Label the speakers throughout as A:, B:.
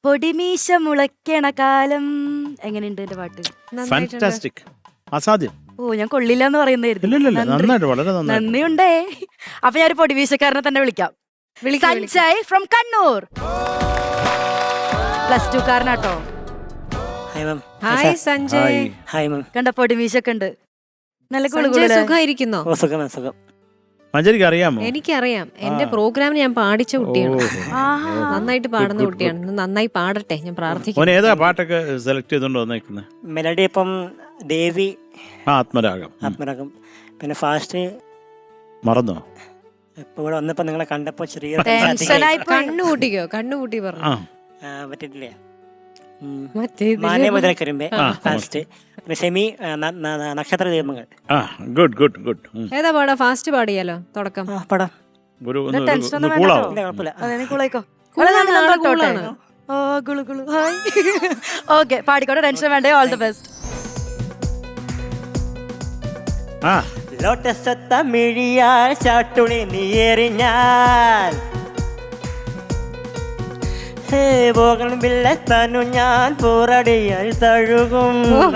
A: പൊടിമീശ മുളയ്ക്കണ കാലം. എങ്ങനെയുണ്ട് എന്റെ പാട്ട്?
B: ഫാന്റാസ്റ്റിക്. അസാധ്യം.
A: ഓ, ഞാൻ കൊള്ളില്ല എന്ന് പറയുന്നതായിരുന്നു.
B: നന്നായിട്ട്, വളരെ നന്നായിട്ട്.
A: നന്ദിയുണ്ടേ. അപ്പൊ ഞാൻ പൊടിമീശക്കാരനെ തന്നെ വിളിക്കാം. സഞ്ജയ് ഫ്രം കണ്ണൂർ, +2 കാരനാട്ടോ.
C: ഹായ് സഞ്ജയ്.
D: Hi ma'am.
A: കണ്ട പൊടിമീശൊക്കെ ഉണ്ട്. നല്ല
C: സുഖമായിരിക്കുന്നോ?
D: സുഖം.
B: മഞ്ജരിക്ക് അറിയാമോ?
C: എനിക്കറിയാം. എന്റെ പ്രോഗ്രാമിന് ഞാൻ പാടിച്ച കുട്ടിയാണ്. നന്നായിട്ട് പാടുന്ന കുട്ടിയാണ്. നന്നായി പാടട്ടെ, ഞാൻ പ്രാർത്ഥിക്കുന്നു.
B: ഏതാ പാട്ടൊക്കെ സെലക്ട് ചെയ്തോണ്ട് വന്നേക്കുന്നത്?
D: മെലഡി ഇപ്പം ദേവി,
B: ആത്മരാഗം.
D: പിന്നെ ഫാസ്റ്റ്
B: മറന്നോ?
D: ഇപ്പൊ ഇവിടെ വന്നപ്പോ നിങ്ങളെ കണ്ടപ്പോ ചെറിയ
C: കണ്ണുകൂട്ടി പറഞ്ഞു
D: പറ്റിട്ടില്ലേ?
C: മറ്റേ
D: മുതലക്കരുമ്പേ ഫാസ്റ്റ്, പിന്നെ സെമി, നക്ഷത്ര ദീപങ്ങൾ.
B: ഗുഡ്.
C: ഏതാ പാടാ? ഫാസ്റ്റ് പാടിയാലോ? തുടക്കം
D: പടാം.
A: ഓക്കെ, പാടിക്കോട്ടെ, ടെൻഷൻ വേണ്ടേ. All the best.
D: ലോട്ടസ് തമിഴിയാൽ ചാട്ടുളി നീയെറിഞ്ഞാൽ തനു ഞാൻ പോറടിയാൽ തഴുകും.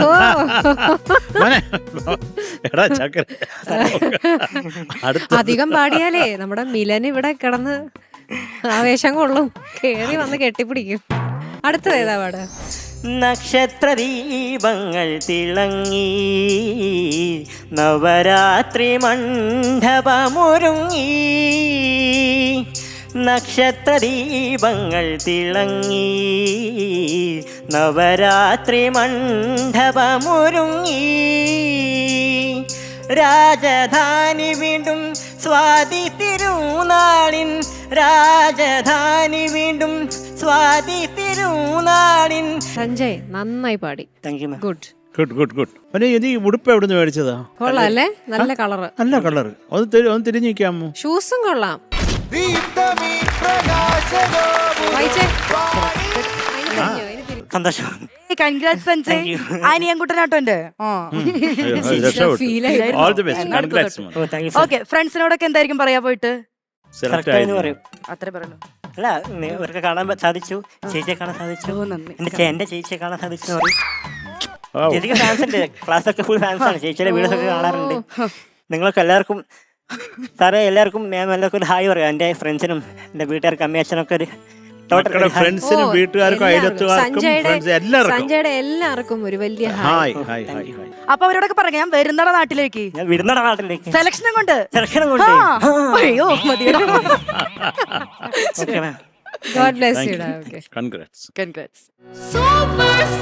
C: അധികം പാടിയാലേ നമ്മുടെ മിലൻ ഇവിടെ കിടന്ന് ആവേശം കൊള്ളും, കേറി വന്ന് കെട്ടിപ്പിടിക്കും. അടുത്തത് ഏതാ പാട്?
D: നക്ഷത്ര ദീപങ്ങൾ തിളങ്ങി നവരാത്രി മണ്ഡപമൊരുങ്ങി. നക്ഷത്ര ദീപങ്ങൾ തിളങ്ങി നവരാത്രി മണ്ഡപമൊരുങ്ങി. രാജധാനി വീണ്ടും സ്വാതി തിരുനാളിൻ, രാജധാനി വീണ്ടും സ്വാതി തിരുനാളിൻ.
C: സഞ്ജയ് നന്നായി പാടി. ഗുഡ്.
B: ഉടുപ്പ് എവിടുന്ന് മേടിച്ചതാ?
C: കൊള്ളാം അല്ലേ? നല്ല കളറ്.
B: നല്ല കളർ. ഒന്ന് തിരിഞ്ഞു നിൽക്കാമോ?
C: ഷൂസും കൊള്ളാം.
D: സന്തോഷം.
A: കൺഗ്രാറ്റ്സ് സഞ്ജയ്. അനിയൻകുട്ടനാട്ടോ എന്റെ. ഓക്കെ, ഫ്രണ്ട്സിനോടൊക്കെ എന്തായിരിക്കും പറയാ പോയിട്ട്? അത്രേ പറയുള്ളൂ.
D: അല്ല, ഇവർക്ക് കാണാൻ സാധിച്ചു, ചേച്ചിയെ കാണാൻ സാധിച്ചു, എന്റെ ചേച്ചിയെ കാണാൻ സാധിച്ചു എന്ന് പറയും. ചേച്ചിക്ക് ഫാൻസ് ഉണ്ട്, ക്ലാസ്സൊക്കെ ഫുൾ ഫാൻസ് ആണ്. ചേച്ചിയുടെ വീഡിയോസൊക്കെ കാണാറുണ്ട്. നിങ്ങൾക്ക് എല്ലാവർക്കും സാറേ, എല്ലാവർക്കും മാം എല്ലാവർക്കും ഒരു ഹായ് പറയാം. എൻ്റെ ഫ്രണ്ട്സിനും എൻ്റെ വീട്ടുകാർക്കും അമ്മയച്ഛനൊക്കെ ഒരു
B: ഫ്രണ്ട്സിനും വീട്ടുകാർക്കും
C: സഞ്ജയുടെ എല്ലാവർക്കും ഒരു വലിയ ഹായ്.
A: അപ്പൊ അവരോടൊക്കെ പറയാം, ഞാൻ വരുന്നട നാട്ടിലേക്ക്,
D: ഞാൻ വിടുന്നട നാട്ടിലേക്ക്
A: സെലക്ഷനും കൊണ്ട്. അയ്യോ മതി.
C: God bless you.
B: Congrats.
A: Congrats.